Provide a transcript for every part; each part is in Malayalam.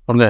പറഞ്ഞേ.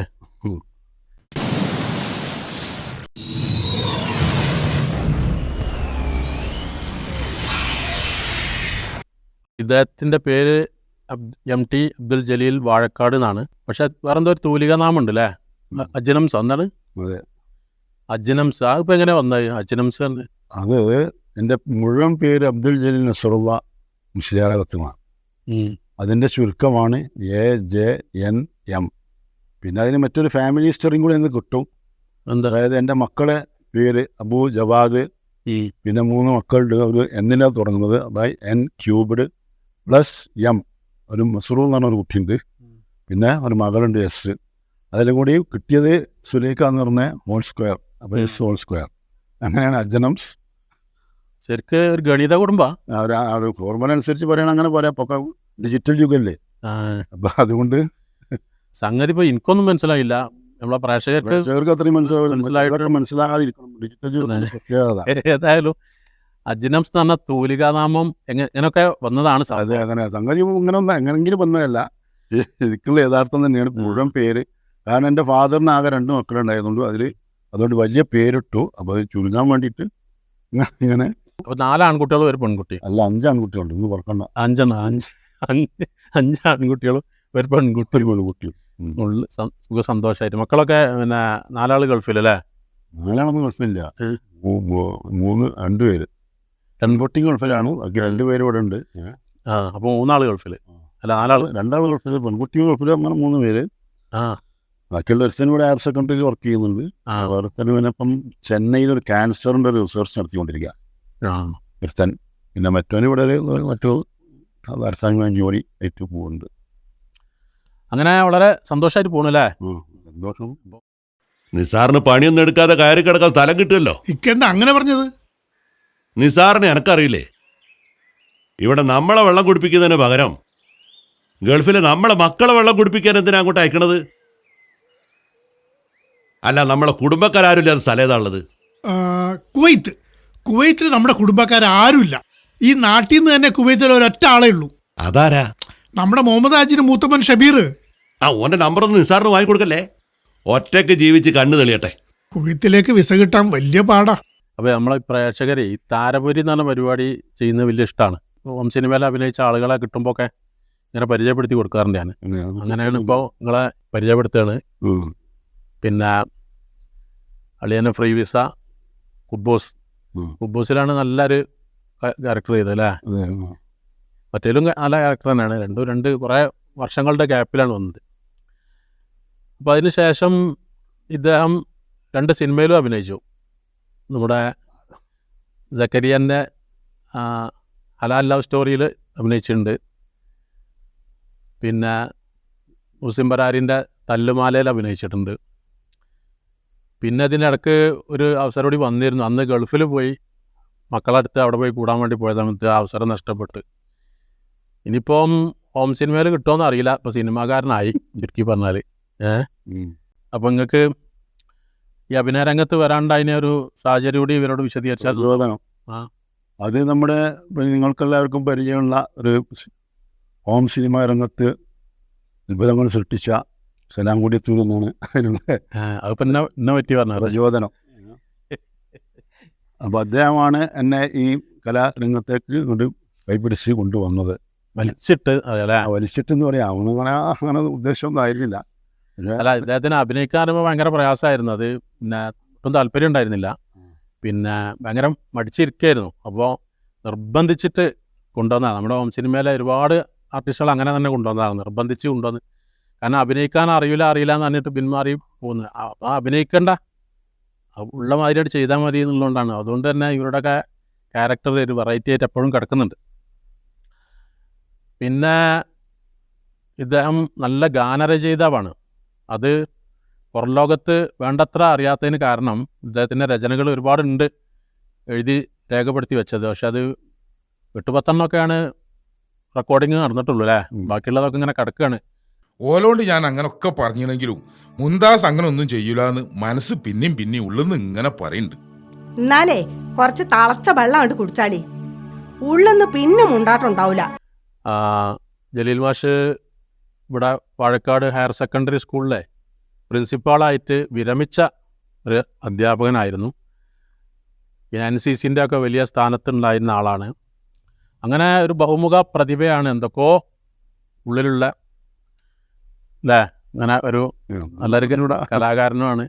ഇദ്ദേഹത്തിൻ്റെ പേര് MT അബ്ദുൽ ജലീൽ വാഴക്കാട് എന്നാണ്. പക്ഷെ വേറെന്തോ ഒരു തൂലിക നാമുണ്ട് അല്ലേ, അജ്നംസ്. എന്താണ് അജ്നംസ്? അതിപ്പോൾ എങ്ങനെ വന്നത് അജ്നംസ്? അത് എൻ്റെ മുഴുവൻ പേര് അബ്ദുൽ ജലീൽ നസറുള്ള മുസ്ലിയാറകത്തുമാണ്. അതിൻ്റെ ചുരുക്കമാണ് AJNM. പിന്നെ അതിന് മറ്റൊരു ഫാമിലി ഹിസ്റ്ററിയും കൂടി എന്ന് കിട്ടും. അതായത് എൻ്റെ മക്കളെ പേര് അബു ജവാദ്, പിന്നെ 3 മക്കളുടെ ഒരു എന്നിലാണ് തുടങ്ങുന്നത്. അതായത് N³ +M. ഒരു മസറൂർ എന്ന് പറഞ്ഞൊരു കുട്ടിയുണ്ട്, പിന്നെ ഒരു മകളുണ്ട് S. അതിലും കൂടി കിട്ടിയത് സുലേഖ എന്ന് പറഞ്ഞ ഹോൾ². അപ്പോൾ S². അങ്ങനെയാണ് അജ്നംസ്. ശരിക്ക് ഒരു ഗണിത കുടുംബ ഒരു ഫോർമുല അനുസരിച്ച് പറയണം, അങ്ങനെ പറയാം. അപ്പോൾ ഡിജിറ്റൽ യുഗല്ലേ, അപ്പം അതുകൊണ്ട് സംഗതി ഇപ്പോൾ എനിക്കൊന്നും മനസ്സിലായില്ല. നമ്മളെ പ്രേക്ഷകർക്ക് അത്രയും മനസ്സിലാകാതിരിക്കണം ഡിജിറ്റൽ യുഗം. ഏതായാലും അജ്നംസ് എന്ന് പറഞ്ഞ തൂലികാനാമം എങ്ങനെയൊക്കെ വന്നതാണ്. അതെ, അങ്ങനെ സംഗതി ഇങ്ങനെ എങ്ങനെങ്കിലും വന്നതല്ല, എനിക്കുള്ള യഥാർത്ഥം തന്നെയാണ് മുഴുവൻ പേര്. കാരണം എൻ്റെ ഫാദറിന് ആകെ 2 മക്കളുണ്ടായിരുന്നുള്ളൂ. അതുകൊണ്ട് വലിയ പേരിട്ടു. അപ്പോൾ അത് ചുരുങ്ങാൻ വേണ്ടിയിട്ട് ഇങ്ങനെ. അപ്പോൾ 4 ആൺകുട്ടികളും ഒരു പെൺകുട്ടി. അല്ല, 5 ആൺകുട്ടികളുണ്ട്. ഇന്ന് പറക്കണ്ട. 5 ആൺകുട്ടികളും ഒരു പെൺകുട്ടിയും. സുഖ സന്തോഷമായിട്ട്. മക്കളൊക്കെ പിന്നെ 4 ആൾ ഗൾഫിലല്ലേ? 4 ആളൊന്നും ഗൾഫില്ല. 2 പേര്. പെൺകുട്ടി ഗൾഫിലാണ്, 2 പേര് ഇവിടെ ഉണ്ട്. അപ്പോൾ 3 ആൾ ഗൾഫിൽ. അല്ല, 4 ആൾ. 2 ആൾ ഗൾഫിൽ, പെൺകുട്ടിയും ഗൾഫിൽ. അങ്ങനെ 3 പേര്. ബാക്കിയുള്ള ഒരുത്തൻ ഇവിടെ ഹയർ സെക്കൻഡറിയിൽ വർക്ക് ചെയ്യുന്നുണ്ട്. ഒരുത്തന് പിന്നെ ഇപ്പം ചെന്നൈയിൽ ഒരു ക്യാൻസറിൻ്റെ ഒരു റിസർച്ച് നടത്തിക്കൊണ്ടിരിക്കുക ഒരുത്തൻ. പിന്നെ മറ്റവന് ഇവിടെ മറ്റു അരസാംഗ ജോലി ആയിട്ട് പോകുന്നുണ്ട്. അങ്ങനെ വളരെ സന്തോഷമായിട്ട് പോകണല്ലേ? സന്തോഷം. നിസാറിന് പണിയൊന്നും എടുക്കാതെ കയറി കിടക്കാൻ സ്ഥലം കിട്ടുമല്ലോ. ഇക്കെന്താ അങ്ങനെ പറഞ്ഞത്? നിസാറിനെ എനക്കറിയില്ലേ, ഇവിടെ നമ്മളെ വെള്ളം കുടിപ്പിക്കുന്നതിന് പകരം ഗൾഫിലെ നമ്മളെ മക്കളെ വെള്ളം കുടിപ്പിക്കാൻ എന്തിനാ അങ്ങോട്ട് അയക്കണത്? അല്ല, നമ്മളെ കുടുംബക്കാരുമില്ലാത്ത സ്ഥലം ഏതാണുള്ളത്? കുവൈത്തിൽ നമ്മുടെ കുടുംബക്കാരുമില്ല. ഈ നാട്ടിൽ നിന്ന് തന്നെ കുവൈത്തിൽ ഒരൊറ്റ ആളേ ഉള്ളൂ. അതാരാ? നമ്മുടെ മുഹമ്മദ് ഹാജിന് മൂത്തമ്മൻ ഷബീർ. ഓൻ്റെ നമ്പറൊന്നും നിസാറിന് വാങ്ങിക്കൊടുക്കല്ലേ, ഒറ്റയ്ക്ക് ജീവിച്ച് കണ്ണു തെളിയട്ടെ. കുവൈത്തിലേക്ക് വിസ കിട്ടാൻ വലിയ പാടാ. അപ്പോൾ നമ്മളെ പ്രേക്ഷകരെ ഈ താരപുരി എന്ന് പറഞ്ഞ പരിപാടി ചെയ്യുന്നത് വലിയ ഇഷ്ടമാണ്. ഹോം സിനിമയിൽ അഭിനയിച്ച ആളുകളെ കിട്ടുമ്പോൾ ഒക്കെ ഇങ്ങനെ പരിചയപ്പെടുത്തി കൊടുക്കാറുണ്ട് ഞാൻ. അങ്ങനെയാണ് ഇപ്പോൾ നിങ്ങളെ പരിചയപ്പെടുത്തുകയാണ്. പിന്നെ അളിയനെ ഫ്രീ വിസ, കുബ്ബോസിലാണ് നല്ലൊരു ക്യാരക്ടർ ചെയ്തത് അല്ലേ? മറ്റേലും നല്ല ക്യാരക്ടർ തന്നെയാണ്. രണ്ട് കുറേ വർഷങ്ങളുടെ ഗ്യാപ്പിലാണ് വന്നത്. അപ്പോൾ അതിന് ശേഷം ഇദ്ദേഹം 2 സിനിമയിലും അഭിനയിച്ചു. നമ്മുടെ സക്കരിയൻ്റെ ഹലാൽ ലവ് സ്റ്റോറിയിൽ അഭിനയിച്ചിട്ടുണ്ട്. പിന്നെ മുസിം ബരാരിൻ്റെ തല്ലുമാലയിൽ അഭിനയിച്ചിട്ടുണ്ട്. പിന്നെ ഇതിനിടക്ക് ഒരു അവസരം കൂടി വന്നിരുന്നു. അന്ന് ഗൾഫിൽ പോയി മക്കളടുത്ത് അവിടെ പോയി കൂടാൻ വേണ്ടി പോയ സമയത്ത് അവസരം നഷ്ടപ്പെട്ട്. ഇനിയിപ്പം ഹോം സിനിമയിൽ കിട്ടുമോയെന്ന് അറിയില്ല. ഇപ്പോൾ സിനിമാകാരനായി ചുരുക്കി പറഞ്ഞാൽ. അപ്പം നിങ്ങൾക്ക് ഈ അഭിനയ രംഗത്ത് വരാണ്ടതിനെ ഒരു സാഹചര്യം കൂടി ഇവരോട് വിശദീകരിച്ചാൽ. അത് നമ്മുടെ നിങ്ങൾക്കെല്ലാവർക്കും പരിചയമുള്ള ഒരു ഹോം സിനിമാ രംഗത്ത് അത്ഭുതങ്ങൾ സൃഷ്ടിച്ച സലാംകുടിയത്തൂർ എന്നാണ് അതിപ്പോൾ എന്നെ പറ്റി പറഞ്ഞ പ്രചോദനം. അപ്പോൾ അദ്ദേഹമാണ് എന്നെ ഈ കലാരംഗത്തേക്ക് കൊണ്ട് കൈപിടിച്ച് കൊണ്ടുവന്നത്. വലിച്ചിട്ടെന്ന് പറയാം. അങ്ങനെ ഉദ്ദേശമൊന്നും ആയിരുന്നില്ല. അല്ല, ഇദ്ദേഹത്തിന് അഭിനയിക്കാറുമ്പോൾ ഭയങ്കര പ്രയാസമായിരുന്നു. അത് പിന്നെ ഒട്ടും താല്പര്യം ഉണ്ടായിരുന്നില്ല. പിന്നെ ഭയങ്കര മടിച്ചിരിക്കുകയായിരുന്നു. അപ്പോൾ നിർബന്ധിച്ചിട്ട് കൊണ്ടുവന്നതാണ്. നമ്മുടെ ഹോം സിനിമയിലെ ഒരുപാട് ആർട്ടിസ്റ്റുകൾ അങ്ങനെ തന്നെ കൊണ്ടുവന്നതാണ്, നിർബന്ധിച്ച് കൊണ്ടുവന്ന്. കാരണം അഭിനയിക്കാൻ അറിയില്ല എന്ന് പറഞ്ഞിട്ട് പിന്മാറി പോകുന്നത്. അപ്പോൾ അഭിനയിക്കണ്ട, ഉള്ള മാതിരിയായിട്ട് ചെയ്താൽ മതി എന്നുള്ളതുകൊണ്ടാണ്. അതുകൊണ്ട് തന്നെ ഇവരുടെയൊക്കെ ക്യാരക്ടർ ഒരു വെറൈറ്റി ആയിട്ട് എപ്പോഴും കിടക്കുന്നുണ്ട്. പിന്നെ ഇദ്ദേഹം നല്ല ഗാനരചയിതാവാണ്. അത് പുറം ലോകത്ത് വേണ്ടത്ര അറിയാത്തതിന് കാരണം ഇദ്ദേഹത്തിൻ്റെ രചനകൾ ഒരുപാടുണ്ട് എഴുതി രേഖപ്പെടുത്തി വെച്ചത്. പക്ഷെ അത് 8-10 റെക്കോർഡിങ് നടന്നിട്ടുള്ളൂ അല്ലേ? ബാക്കിയുള്ളതൊക്കെ ഇങ്ങനെ കിടക്കുകയാണ്. ഓലോണ്ട് ഞാൻ അങ്ങനൊക്കെ പറഞ്ഞെങ്കിലും മുന്താസ് അങ്ങനെ ഒന്നും ചെയ്യൂലെന്ന് മനസ്സ് പിന്നെയും ഉള്ളെന്ന് ഇങ്ങനെ പറയുന്നുണ്ട്. എന്നാലേ കുറച്ച് തളച്ച വെള്ളം കണ്ട് കുടിച്ചാളി, ഉള്ളെന്ന് പിന്നെ മുണ്ടാട്ടുണ്ടാവൂല. ജലീൽ മാഷ് ഇവിടെ വാഴക്കാട് ഹയർ സെക്കൻഡറി സ്കൂളിലെ പ്രിൻസിപ്പാളായിട്ട് വിരമിച്ച ഒരു അധ്യാപകനായിരുന്നു. പിന്നെ NCCൻ്റെ ഒക്കെ വലിയ സ്ഥാനത്തുണ്ടായിരുന്ന ആളാണ്. അങ്ങനെ ഒരു ബഹുമുഖ പ്രതിഭയാണ്, എന്തൊക്കെയോ ഉള്ളിലുള്ള അല്ലേ, അങ്ങനെ ഒരു നല്ലൊരു കലാകാരനുമാണ്.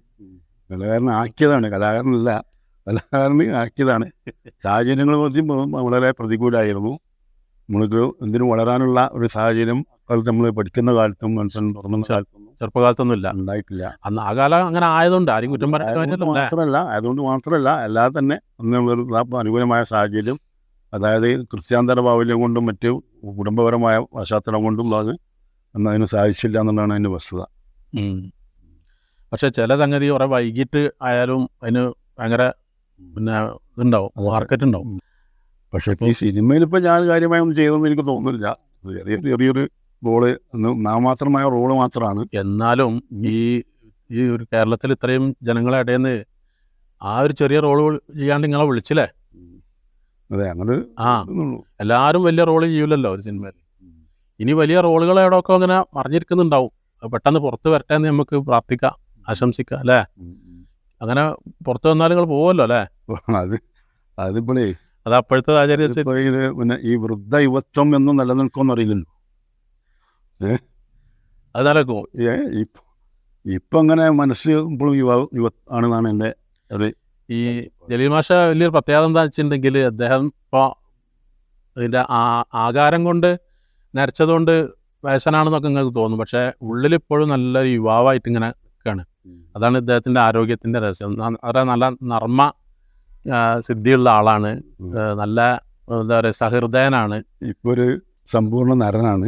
കലാകാരന് ആക്കിയതാണ്. സാഹചര്യങ്ങൾ വളരെ പ്രതികൂലമായിരുന്നു. നമ്മൾക്ക് എന്തിനും വളരാനുള്ള ഒരു സാഹചര്യം നമ്മൾ പഠിക്കുന്ന കാലത്തും മനസ്സിൽ തുറന്ന കാലത്തും ചെറുപ്പകാലത്തൊന്നുമില്ല, ഉണ്ടായിട്ടില്ല. അന്ന് ആ കാലം അങ്ങനെ ആയതുകൊണ്ട് ആരും കുറ്റം അതുകൊണ്ട് മാത്രമല്ല അല്ലാതെ തന്നെ അന്നുള്ളൊരു അനുകൂലമായ സാഹചര്യം, അതായത് ക്രിസ്ത്യാന്തര ബാഹുല്യം കൊണ്ടും മറ്റ് കുടുംബപരമായ പശ്ചാത്തലം കൊണ്ടും അത് അതിന് സാധിച്ചില്ല എന്നുള്ളതാണ് അതിൻ്റെ വസ്തുത. പക്ഷെ ചില സംഗതി കുറെ വൈകിട്ട് ആയാലും അതിന് ഭയങ്കര പിന്നെ ഇതുണ്ടാവും, മാർക്കറ്റ് ഉണ്ടാവും. പക്ഷേ ഈ സിനിമയിൽ ഇപ്പോൾ ഞാൻ കാര്യമായി ഒന്നും ചെയ്തെന്ന് എനിക്ക് തോന്നുന്നില്ല. ചെറിയൊരു റോള്, നാമാത്രമായ റോള് മാത്രമാണ്. എന്നാലും ഈ ഒരു കേരളത്തിൽ ഇത്രയും ജനങ്ങളെ ഇടയിൽ നിന്ന് ആ ഒരു ചെറിയ റോള് ചെയ്യാണ്ട് നിങ്ങളെ വിളിച്ചില്ലേ? അതെ, അങ്ങനെ എല്ലാവരും വലിയ റോള് ചെയ്യൂലല്ലോ ഒരു സിനിമയിൽ. ഇനി വലിയ റോളുകൾ എവിടെയൊക്കെ അങ്ങനെ മറിഞ്ഞിരിക്കുന്നുണ്ടാവും. പെട്ടെന്ന് പുറത്ത് വരട്ടെ എന്ന് നമുക്ക് പ്രാർത്ഥിക്കാം, ആശംസിക്കാം അല്ലേ? അങ്ങനെ പുറത്ത് വന്നാൽ നിങ്ങൾ പോവുമല്ലോ അല്ലേ? അതിപ്പോഴേ അത് അപ്പോഴത്തെ സാഹചര്യം പിന്നെ ഈ വൃദ്ധ യുവത്വം എന്നും നിലനിൽക്കുമെന്ന് അറിയില്ലല്ലോ. അത് നടക്കും. ഇപ്പം അങ്ങനെ മനസ്സ് ഇപ്പോഴും ആണെന്നാണ് എൻ്റെ അത്. ഈ ജലീൽ മാഷ വലിയൊരു പ്രത്യേകത എന്താ വെച്ചിട്ടുണ്ടെങ്കിൽ, അദ്ദേഹം ഇപ്പോൾ ഇതിൻ്റെ ആകാരം കൊണ്ട് നരച്ചതുകൊണ്ട് വയസ്സനാണെന്നൊക്കെ നിങ്ങൾക്ക് തോന്നും. പക്ഷേ ഉള്ളിലിപ്പോഴും നല്ലൊരു യുവാവായിട്ട് ഇങ്ങനെ നിൽക്കുകയാണ്. അതാണ് ഇദ്ദേഹത്തിൻ്റെ ആരോഗ്യത്തിൻ്റെ രഹസ്യം. വളരെ നല്ല നർമ്മ സിദ്ധിയുള്ള ആളാണ്, നല്ല എന്താ പറയുക സഹൃദയനാണ്, ഇപ്പോൾ ഒരു സമ്പൂർണ്ണ നരനാണ്.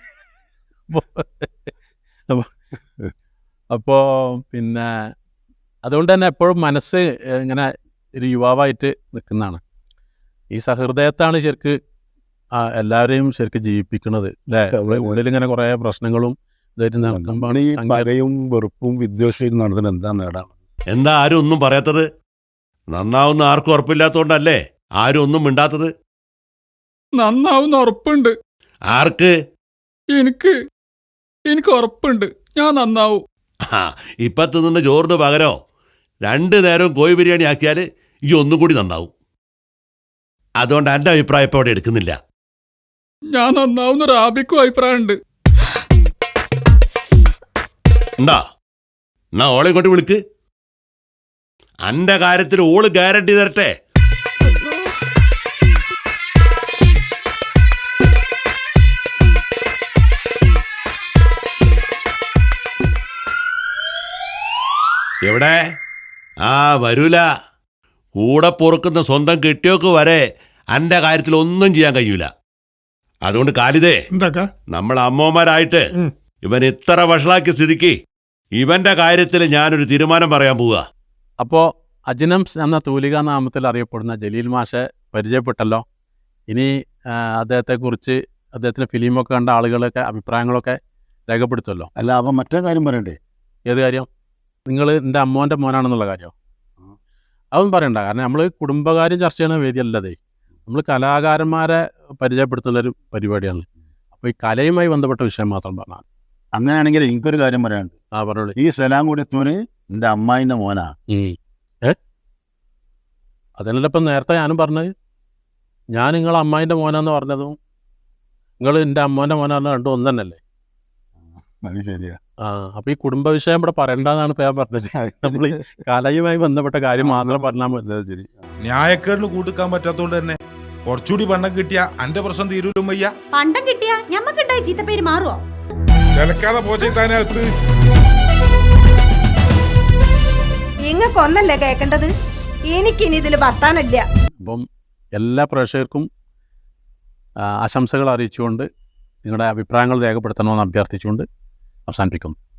അപ്പോൾ പിന്നെ അതുകൊണ്ട് തന്നെ എപ്പോഴും മനസ്സ് ഇങ്ങനെ ഒരു യുവാവായിട്ട് നിൽക്കുന്നതാണ്. ഈ സഹൃദയത്താണ് ശരിക്ക് എല്ലാവരെയും ശരിക്കും ജീവിപ്പിക്കുന്നത് അല്ലേ? ഉള്ളിലിങ്ങനെ കുറേ പ്രശ്നങ്ങളും ഇതായിട്ട് നടക്കുമ്പോൾ ഈ പകയും വെറുപ്പും വിദ്വേഷവും നടത്തുന്നത് എന്താ നേടാണ്? എന്താ ആരും ഒന്നും പറയാത്തത്? നന്നാവുന്ന ആർക്കും ഉറപ്പില്ലാത്തോണ്ടല്ലേ ആരും ഒന്നും മിണ്ടാത്തത്? നന്നാവുന്ന ഉറപ്പുണ്ട്. ആർക്ക്? എനിക്ക് ഉറപ്പുണ്ട്, ഞാൻ നന്നാവും. ഇപ്പത്ത് നിന്ന് ചോറിന് പകരോ 2 നേരവും കോഴി ബിരിയാണി ആക്കിയാൽ ഈ ഒന്നും കൂടി നന്നാവും. അതുകൊണ്ട് എൻ്റെ അഭിപ്രായം ഇപ്പോൾ അവിടെ എടുക്കുന്നില്ല. ഞാൻ നന്നാവുന്ന റാബിക്കും അഭിപ്രായമുണ്ട്. എന്താ എന്നാ ഓളെ ഇങ്ങോട്ട് വിളിക്ക്. അന്റെ കാര്യത്തിൽ ഓള് ഗ്യാരണ്ടി തരട്ടെ. എവിടെ? വരൂല. കൂടെ പൊറുക്കുന്ന സ്വന്തം കെട്ടിയോക്ക് വരെ അന്റെ കാര്യത്തിൽ ഒന്നും ചെയ്യാൻ കഴിയൂല. അതുകൊണ്ട് കാലിതേ, നമ്മൾ അമ്മമാരായിട്ട് ഇവൻ ഇത്ര വഷളാക്കിയ സ്ഥിതിക്ക് ഇവന്റെ കാര്യത്തിൽ ഞാനൊരു തീരുമാനം പറയാൻ പോവുക. അപ്പോൾ അജ്നംസ് എന്ന തൂലിക നാമത്തിൽ അറിയപ്പെടുന്ന ജലീൽ മാഷെ പരിചയപ്പെട്ടല്ലോ. ഇനി അദ്ദേഹത്തെക്കുറിച്ച്, അദ്ദേഹത്തിൻ്റെ ഫിലിമൊക്കെ കണ്ട ആളുകളൊക്കെ അഭിപ്രായങ്ങളൊക്കെ രേഖപ്പെടുത്തുമല്ലോ. അല്ല, അവൻ മറ്റേ കാര്യം പറയണ്ടേ? ഏത് കാര്യം? നിങ്ങൾ എൻ്റെ അമ്മോൻ്റെ മോനാണെന്നുള്ള കാര്യം അതൊന്നും പറയണ്ട. കാരണം നമ്മൾ കുടുംബകാര്യം ചർച്ച ചെയ്യുന്ന വേദിയല്ലതേ, നമ്മൾ കലാകാരന്മാരെ പരിചയപ്പെടുത്തുന്നൊരു പരിപാടിയാണ്. അപ്പോൾ ഈ കലയുമായി ബന്ധപ്പെട്ട വിഷയം മാത്രം പറഞ്ഞാൽ. അങ്ങനെയാണെങ്കിൽ എനിക്കൊരു കാര്യം പറയാനുണ്ട്. പറഞ്ഞോളൂ. ഈ സലാം കൊടുത്തവന് എൻ്റെ അമ്മായിൻ്റെ മോനാ. അതല്ല ഇപ്പം നേരത്തെ ഞാനും പറഞ്ഞത്. ഞാൻ നിങ്ങളെ അമ്മായിൻ്റെ മോനാന്ന് പറഞ്ഞതും നിങ്ങൾ എൻ്റെ അമ്മോൻ്റെ മോനാന്ന് രണ്ടും ഒന്ന് തന്നെയല്ലേ? അത് ശരിയാ. അപ്പോൾ ഈ കുടുംബ വിഷയം ഇവിടെ പറയണ്ടെന്നാണ് ഇപ്പം ഞാൻ പറഞ്ഞത്. നമ്മൾ ഈ കലയുമായി ബന്ധപ്പെട്ട കാര്യം മാത്രം പറഞ്ഞാൽ മതി. ന്യായക്കേടിന് കൂട്ടിക്കാൻ പറ്റാത്തോണ്ട് തന്നെ കുറച്ചുകൂടി പണ്ടം കിട്ടിയ അന്റെ പ്രശ്നം തീരൂലും വയ്യ. പണ്ടം കിട്ടിയ ഞമ്മക്കുണ്ടായ ചീത്തപ്പേര് മാറുവോ? ചിലക്കാതെ പോച്ചെത്താനകത്ത് ഇങ്ങക്കൊന്നല്ലേ കേൾക്കേണ്ടത്, എനിക്കിനി ഇതിൽ വർത്താനല്ല. അപ്പം എല്ലാ പ്രേക്ഷകർക്കും ആശംസകൾ അറിയിച്ചുകൊണ്ട് നിങ്ങളുടെ അഭിപ്രായങ്ങൾ രേഖപ്പെടുത്തണമെന്ന് അഭ്യർത്ഥിച്ചുകൊണ്ട് അവസാനിപ്പിക്കുന്നു.